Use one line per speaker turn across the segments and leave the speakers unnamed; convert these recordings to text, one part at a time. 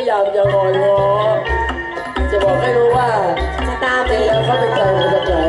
ายามจะงอนง้อจะบอกให้รู้ว่า
จะตามไป
แล้วเขาเป็นใครมาจากไหน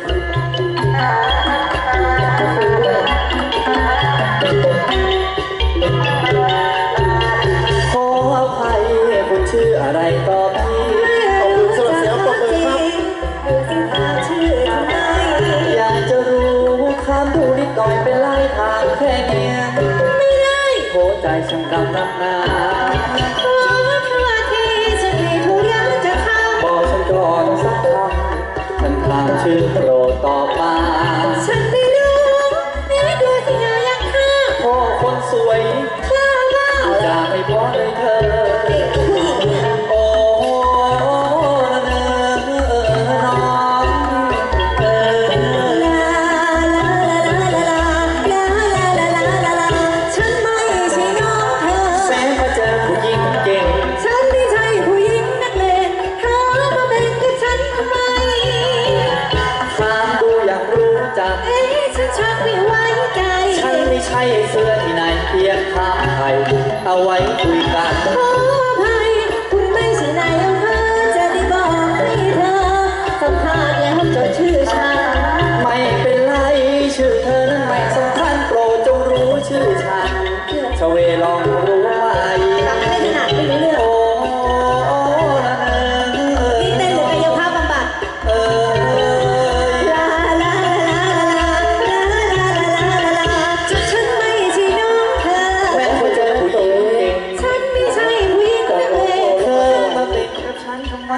ขออภัยคุณชื่ออะไรต่อพี่ขอบคุณสำหรับเสียงปรบมือครับ
ดูสิถามชื่อทำไม
อยากจะรู้คำดูนิดหน่อยเป็นไรทางแค่เนี้ย
ไม่ได้
โหใจช่างกำนักหนา
ขอเธอที่ฉันมีทุกอย่างจะทำ
บอกฉันก่อนสักคำฉันถามชื่อโปรดตอบมา
ฉันไม่รู้นี่ดูที่งานยังข้า
พ่อคนสวย
คลาบ้า
จะไม่พอเลยเธอโอ้เนอน้อง
ลาลาลาลาลาลาลาลาลาฉันไม่ใช่น้องเธอ
แสนมาเจอผู้หญิงเก่ง
ฉันไม่ใช่ผู้หญิงนักเลงเธอมาเป็นกับฉันทำไม
ถามดูอยากรู้จัก
ฉันชักไม่ไว้ใจ
ฉันไม่ใช่เสื้อที่ไหนเพียงถามไทยเอาไว้คุยกัน
ขออภัยคุณไม่ใช่นายอำเภอจะได้บอกให้เธอสัมภาษณ์แล้วจดชื่อฉัน
ไม่เป็นไรชื่อเธอนั้นไม่สำคัญโปรดจงรู้ชื่อฉันชเวลองรู้ไว้
จำไม่ถนัดไม่รู้เรื่อง
โอ้
นี่เต้นหรือกายภาพบำบัดลาลาลาลาลาลาลาลาจุดฉันไม่ใช่น้องเธอ
แม้ว่าเจอผู้หญิงเก่ง
ฉันไม่ใช่ผู้หญิงนักเลง
เธอมาเป็นกับฉันทำไม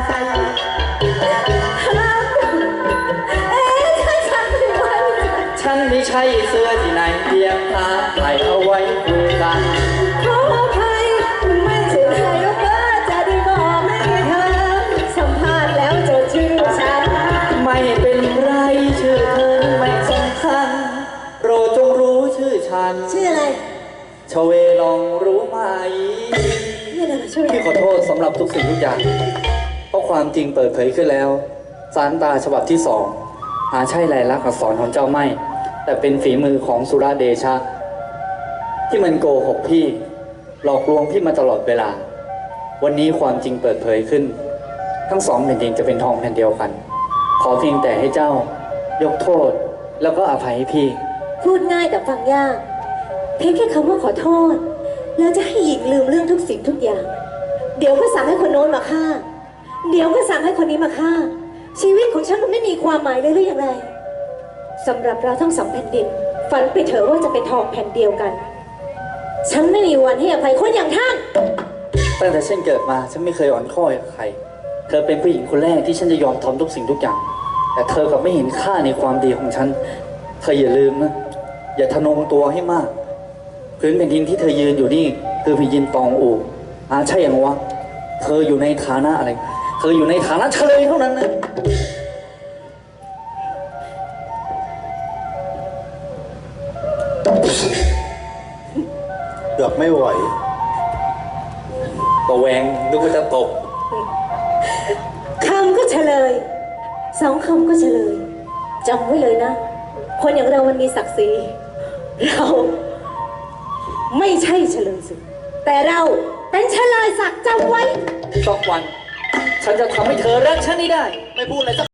ฉันไม่ใช่เสื้อที่ไหนเพียงตาถ่ายเอาไว้คุยกัน
ขออภัยคุณไม่ใช่นายกจะได้บอกให้เธอสัมภาษณ์แล้วจดชื่อฉัน
ไม่เป็นไรชื่อเธอไม่สำคัญโปรดจงรู้ชื่อฉัน
ชื่ออะไร
ชเวลองรู้ไหมพี่ขอโทษสำหรับทุกสิ่งทุกอย่างเพราะความจริงเปิดเผยขึ้นแล้วสารตาฉบับที่2หาใช่ลายลักษณ์อักษรของเจ้าไม่แต่เป็นฝีมือของสุรเดชะที่มันโกหกพี่หลอกลวงพี่มาตลอดเวลาวันนี้ความจริงเปิดเผยขึ้นทั้งสองแผ่นดินจะเป็นทองแผ่นเดียวกันขอเพียงแต่ให้เจ้ายกโทษแล้วก็อภัยให้พี่
พูดง่ายแต่ฟังยากเพียงแค่คำว่าขอโทษแล้วจะให้หญิงลืมเรื่องทุกสิ่งทุกอย่างเดี๋ยวก็สั่งให้คนโน้นมาฆ่าเดี๋ยวก็สั่งให้คนนี้มาฆ่าชีวิตของฉันมันไม่มีความหมายเลยหรือยังไงสำหรับเราทั้งสองแผ่นดินฝันไปเถอะว่าจะเป็นทองแผ่นเดียวกันฉันไม่มีวันให้อภัยคนอย่างท่าน
ตั้งแต่ฉันเกิดมาฉันไม่เคยอ่อนข้อกับใครเธอเป็นผู้หญิงคนแรกที่ฉันจะยอมทำทุกสิ่งทุกอย่างแต่เธอกลับไม่เห็นค่าในความดีของฉันเธออย่าลืมนะอย่าทะนงตัวให้มากพื้นแผ่นดินที่เธอยืนอยู่นี่คือแผ่นดินตองอูใช่ยังวะเธออยู่ในฐานะอะไรเธออยู่ในฐานะเฉลยเท่านั้นนะ
เกือบไม่ไหว
ตัวแหวงนึกว่าจะตก
คำก็เฉลยสองคำก็เฉลยจำไว้เลยนะคนอย่างเรามันมีศักดิ์ศรีเราไม่ใช่เฉลยศึกแต่เราเป็นเฉลยศักดิ์จำไว้
สักวันฉันจะทำให้เธอรักฉันได้ไม่พูดอะไรสัก